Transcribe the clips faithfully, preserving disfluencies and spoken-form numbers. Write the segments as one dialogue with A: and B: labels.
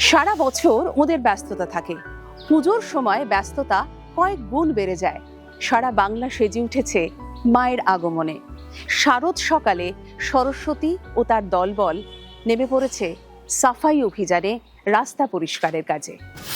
A: সারা বছর ওদের ব্যস্ততা থাকে, পুজোর সময় ব্যস্ততা কয়েক গুণ বেড়ে যায়। সারা বাংলা সেজে উঠেছে মায়ের আগমনে। শারদ সকালে সরস্বতী ও তার দলবল নেমে পড়েছে সাফাই অভিযানে, রাস্তা পরিষ্কারের কাজে।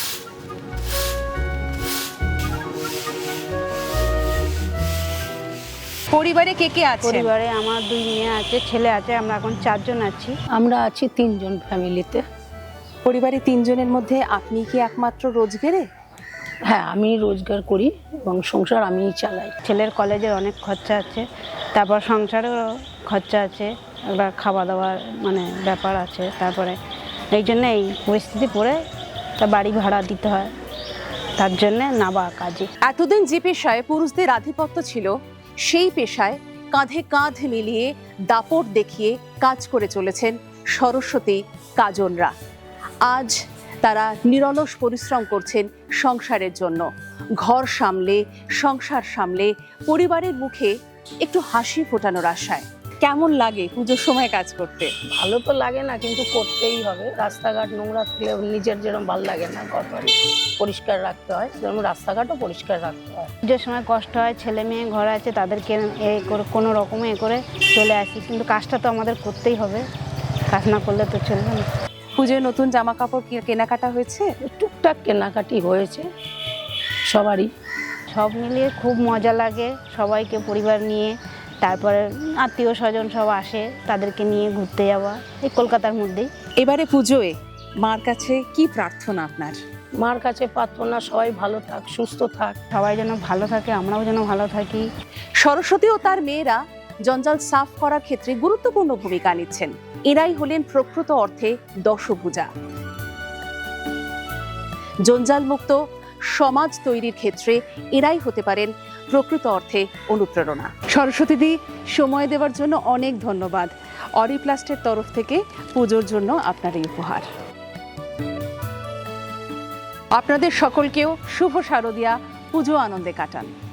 A: পরিবারে কে কে আছে?
B: পরিবারে আমার দুই মেয়ে আছে, ছেলে আছে, আমরা এখন চারজন আছি।
C: আমরা আছি তিনজন ফ্যামিলিতে।
A: পরিবারে তিনজনের মধ্যে আপনি কি একমাত্র রোজগারে?
C: হ্যাঁ, আমি রোজগার করি এবং সংসার আমিই চালাই।
B: ছেলের কলেজের অনেক খরচা আছে, তারপর সংসারেরও খরচা আছে, এবার খাওয়া দাওয়ার মানে ব্যাপার আছে। তারপরে এই জন্য এই পরিস্থিতি পড়ে তা বাড়ি ভাড়া দিতে হয়, তার জন্যে নাবা কাজে।
A: এতদিন যে পেশায় পুরুষদের আধিপত্য ছিল, সেই পেশায় কাঁধে কাঁধ মিলিয়ে দাপট দেখিয়ে কাজ করে চলেছেন সরস্বতী কাজনরা। আজ তারা নিরলস পরিশ্রম করছেন সংসারের জন্য। ঘর সামলে, সংসার সামলে, পরিবারের মুখে একটু হাসি ফোটানোর আশায়। কেমন লাগে পুজোর সময় কাজ করতে?
C: ভালো তো লাগে না, কিন্তু করতেই হবে। রাস্তাঘাট নোংরা থাকলে নিজের যেরকম ভালো লাগে না, ঘর বাড়ি পরিষ্কার রাখতে হয়, যেরকম রাস্তাঘাটও পরিষ্কার রাখতে হয়।
B: পুজোর সময় কষ্ট হয়, ছেলে মেয়ে ঘরে আছে, তাদেরকে এ করে কোনো রকমে এ করে চলে আসি, কিন্তু কাজটা তো আমাদের করতেই হবে, কাজ না করলে তো চলবে না।
A: পুজোয় নতুন জামা কাপড় কেনাকাটা হয়েছে?
C: টুকটাক কেনাকাটি হয়েছে সবারই।
B: সব মিলিয়ে খুব মজা লাগে, সবাইকে পরিবার নিয়ে, তারপরে আত্মীয় স্বজন সব আসে, তাদেরকে নিয়ে ঘুরতে যাওয়া এই কলকাতার মধ্যেই।
A: এবারে পুজোয় মার কাছে কি প্রার্থনা আপনার?
C: মার কাছে প্রার্থনা সবাই ভালো থাক, সুস্থ থাক,
B: সবাই যেন ভালো থাকে, আমরাও যেন ভালো থাকি।
A: সরস্বতী ও তার মেয়েরা জঞ্জাল সাফ করার ক্ষেত্রে গুরুত্বপূর্ণ ভূমিকা নিচ্ছেন। এরাই হলেন প্রকৃত অর্থে দশভুজা। জঞ্জাল মুক্ত সমাজ তৈরির ক্ষেত্রে এরাই হতে পারেন প্রকৃত অর্থে অনুপ্রেরণা। সরস্বতী দি, সময় দেওয়ার জন্য অনেক ধন্যবাদ। অরিপ্লাস্টের তরফ থেকে পুজোর জন্য আপনার এই উপহার। আপনাদের সকলকেও শুভ শারদীয়া পুজো আনন্দে কাটান।